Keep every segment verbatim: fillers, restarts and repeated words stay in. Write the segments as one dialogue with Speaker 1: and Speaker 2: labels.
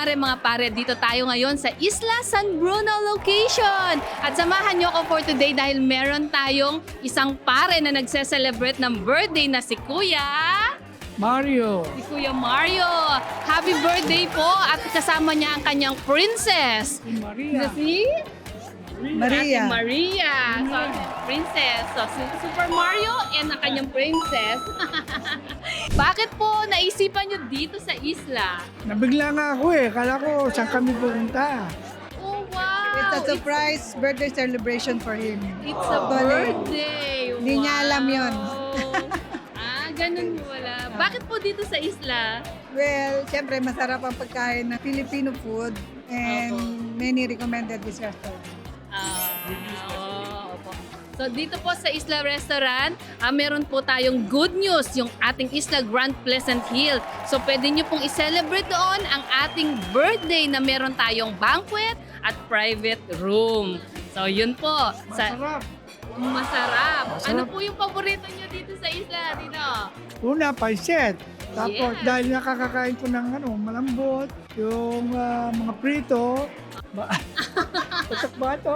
Speaker 1: mare, mga pare, dito tayo ngayon sa Isla San Bruno location. At samahan niyo ako for today dahil meron tayong isang pare na nagse-celebrate ng birthday na si Kuya...
Speaker 2: Mario.
Speaker 1: Si Kuya Mario. Happy birthday po at kasama niya ang kanyang princess.
Speaker 2: Si Maria.
Speaker 1: Si
Speaker 3: Maria.
Speaker 1: Ate Maria. So, princess. So, si Super Mario and ang kanyang princess. Bakit po naisipan niyo dito sa isla?
Speaker 2: Nabigla nga ako eh. Kala ko saan kami pupunta.
Speaker 1: Oh, wow!
Speaker 3: It's a surprise birthday celebration for him.
Speaker 1: It's a
Speaker 3: Actually,
Speaker 1: birthday.
Speaker 3: hindi niya alam yun.
Speaker 1: Ah, ganun wala. Bakit po dito sa isla?
Speaker 3: Well, syempre masarap ang pagkain ng Filipino food and
Speaker 1: Opo.
Speaker 3: many recommended this restaurant.
Speaker 1: Ah, oo, opo. So dito po sa Isla Restaurant, ah, meron po tayong good news, yung ating Isla Grand Pleasant Hill. So pwede nyo pong i-celebrate doon ang ating birthday na meron tayong banquet at private room. So yun po. Sa,
Speaker 2: Masarap.
Speaker 1: masarap.
Speaker 2: Masarap.
Speaker 1: Ano po yung paborito nyo dito sa isla? Dito?
Speaker 2: Una, paiset. Tapos
Speaker 1: Yes.
Speaker 2: dahil nakakakain ko ng ano, malambot, yung ah, mga prito, ba putok ba ito?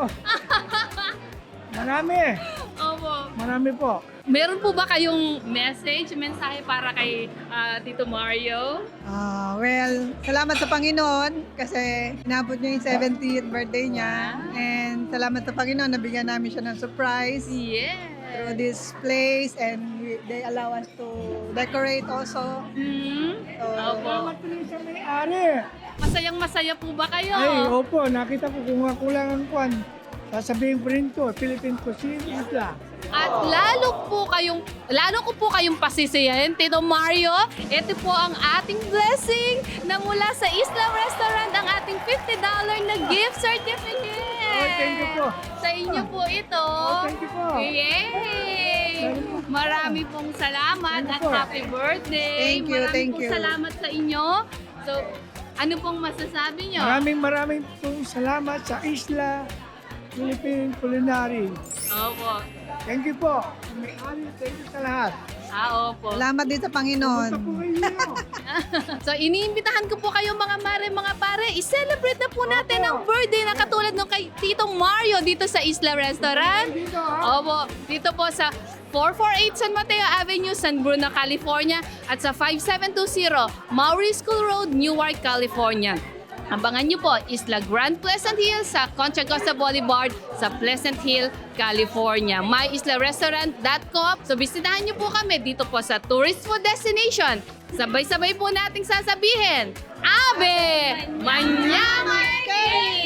Speaker 2: Marami.
Speaker 1: Opo.
Speaker 2: Marami po.
Speaker 1: Meron po ba kayong message, mensahe para kay ah, Tito Mario?
Speaker 3: Ah, well, salamat sa Panginoon kasi inabot niya yung seventieth birthday niya. And salamat sa Panginoon, nabigyan namin siya ng surprise
Speaker 1: Yes.
Speaker 3: through this place and we- they allow us to decorate also.
Speaker 1: Hmm?
Speaker 3: So,
Speaker 1: Opo.
Speaker 2: Salamat po rin sa may-ari.
Speaker 1: Masayang masaya po ba kayo?
Speaker 2: Ay, opo, nakita ko kung ako lang ang kwan. Sasabihin ko rin ko, Philippine Cuisine Isla.
Speaker 1: At lalo po kayong, lalo ko po kayong pasisiyahin, Tito Mario. Ito po ang ating blessing na mula sa Isla Restaurant, ang ating fifty dollars na gift certificate.
Speaker 2: Oh, thank you po.
Speaker 1: Sa inyo po ito.
Speaker 2: Oh, thank you po.
Speaker 1: Yay! Marami pong salamat
Speaker 2: Thank you
Speaker 1: at
Speaker 2: po.
Speaker 1: happy birthday.
Speaker 3: Thank you,
Speaker 1: Marami
Speaker 3: thank
Speaker 1: pong
Speaker 3: you.
Speaker 1: salamat sa inyo. So, ano pong masasabi nyo?
Speaker 2: Maraming maraming pong salamat sa Isla Philippine Culinary.
Speaker 1: Opo.
Speaker 2: Thank you po. May-ari, thank you sa lahat.
Speaker 1: Ah, opo.
Speaker 3: salamat din sa Panginoon.
Speaker 2: Punta po kayo.
Speaker 1: So, iniimbitahan ko po kayo mga mare, mga pare, i-celebrate na po natin
Speaker 2: Opo.
Speaker 1: ang birthday na katulad ng kay Tito Mario dito sa Isla Restaurant.
Speaker 2: Dito ha.
Speaker 1: Opo, dito po sa four forty-eight San Mateo Avenue, San Bruno, California at sa five seven two zero Maury School Road, Newark, California. Abangan niyo po, Isla Grand Pleasant Hill sa Contra Costa Boulevard sa Pleasant Hill, California. my isla restaurant dot com. So bisitahan niyo po kami dito po sa tourist food destination. Sabay-sabay po nating sasabihin, Abe! Manyaman kayo!